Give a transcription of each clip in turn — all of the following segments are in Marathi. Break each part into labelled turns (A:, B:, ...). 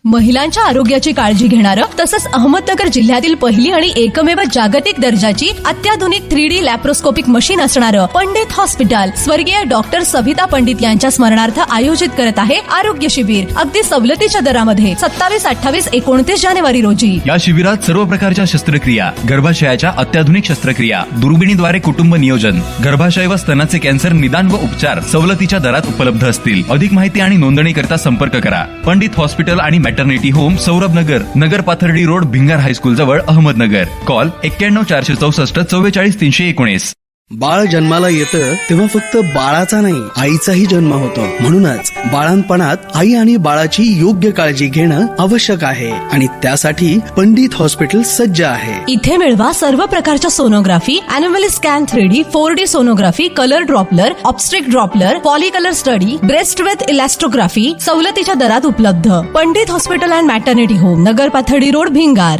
A: महिलांच्या आरोग्याची काळजी घेणारं तसंच अहमदनगर जिल्ह्यातील पहिली आणि एकमेव जागतिक दर्जाची अत्याधुनिक 3D लॅप्रोस्कोपिक मशीन असणारं पंडित हॉस्पिटल स्वर्गीय डॉक्टर सविता पंडित यांच्या स्मरणार्थ आयोजित करत आहे आरोग्य शिबिर अगदी सवलतीच्या दरामध्ये 27, 28, 29 जानेवारी रोजी।
B: या शिबिरात सर्व प्रकारच्या शस्त्रक्रिया, गर्भाशयाच्या अत्याधुनिक शस्त्रक्रिया, दुर्बिणीद्वारे कुटुंब नियोजन, गर्भाशय व स्तनाचे कॅन्सर निदान व उपचार सवलतीच्या दरात उपलब्ध असतील। अधिक माहिती आणि नोंदणीकरता संपर्क करा। पंडित हॉस्पिटल आणि maternity home, Saurabh Nagar, Nagar Pathardi road, Bhingar high school जवळ, अहमदनगर। कॉल 91 464 44 319।
C: बाळ जन्माला येतं तेव्हा फक्त बाळाचा नाही आईचाही जन्म होतो। म्हणूनच बाळांपणात आई आणि बाळाची योग्य काळजी घेणं आवश्यक आहे आणि त्यासाठी पंडित हॉस्पिटल सज्ज आहे।
A: इथे मिळवा सर्व प्रकारच्या sonography, anomaly scan, 3D, 4D sonography, colour doppler, obstetric doppler, follicular study, breast with elastography सवलतीच्या दरात उपलब्ध। Pandit hospital and maternity home, Nagar Pathardi road, Bhingar.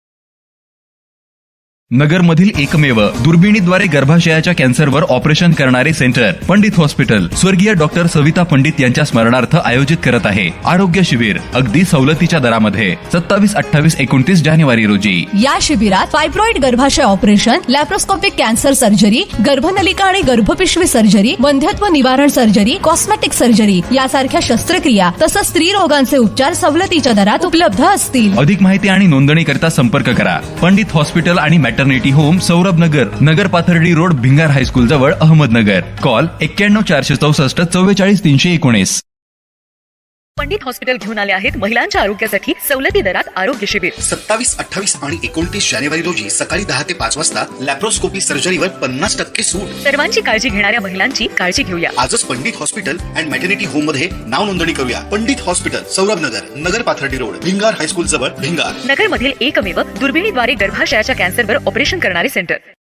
B: Nagar मधील एकमेव दुर्बिणीद्वारे गर्भाशयाच्या कॅन्सरवर ऑपरेशन करणारे सेंटर पंडित हॉस्पिटल स्वर्गीय डॉक्टर सविता पंडित यांच्या स्मरणार्थ आयोजित करत आहे आरोग्य शिबिर अगदी सवलतीच्या दरामध्ये 27, 28, 29 जानेवारी रोजी।
A: या शिबिरात फायब्रॉइड गर्भाशय ऑपरेशन, लॅप्रोस्कोपिक कॅन्सर सर्जरी, गर्भनलिका आणि गर्भपिशवी सर्जरी, वंध्यत्व निवारण सर्जरी, कॉस्मेटिक सर्जरी यासारख्या शस्त्रक्रिया तसंच स्त्री रोगांचे उपचार सवलतीच्या दरात उपलब्ध असतील।
B: अधिक माहिती आणि नोंदणीकरता संपर्क करा। पंडित हॉस्पिटल आणि maternity home, Saurabh Nagar, Nagar Pathardi road, Bhingar high school जवळ, अहमदनगर। कॉल 91 464 44 319।
D: पंडित हॉस्पिटल घेऊन आले आहेत महिलांच्या आरोग्यासाठी सवलती दरात आरोग्य शिबिर
E: 27, 28 आणि 29 जानेवारी रोजी सकाळी 10 ते 5 वाजता लॅप्रोस्कोपी सर्जरीवर 50% सूट।
D: सर्वांची काळजी घेणाऱ्या महिलांची काळजी घेऊया।
E: आजच Pandit hospital and maternity home मध्ये नाव नोंदणी करूया। Pandit hospital, Saurabh Nagar, Nagar Pathardi road, Bhingar high school जवळ, भिंगार।
D: नगर मधील एकमेव दुर्बिणीद्वारे गर्भाशयाच्या कॅन्सरवर ऑपरेशन करणारे सेंटर।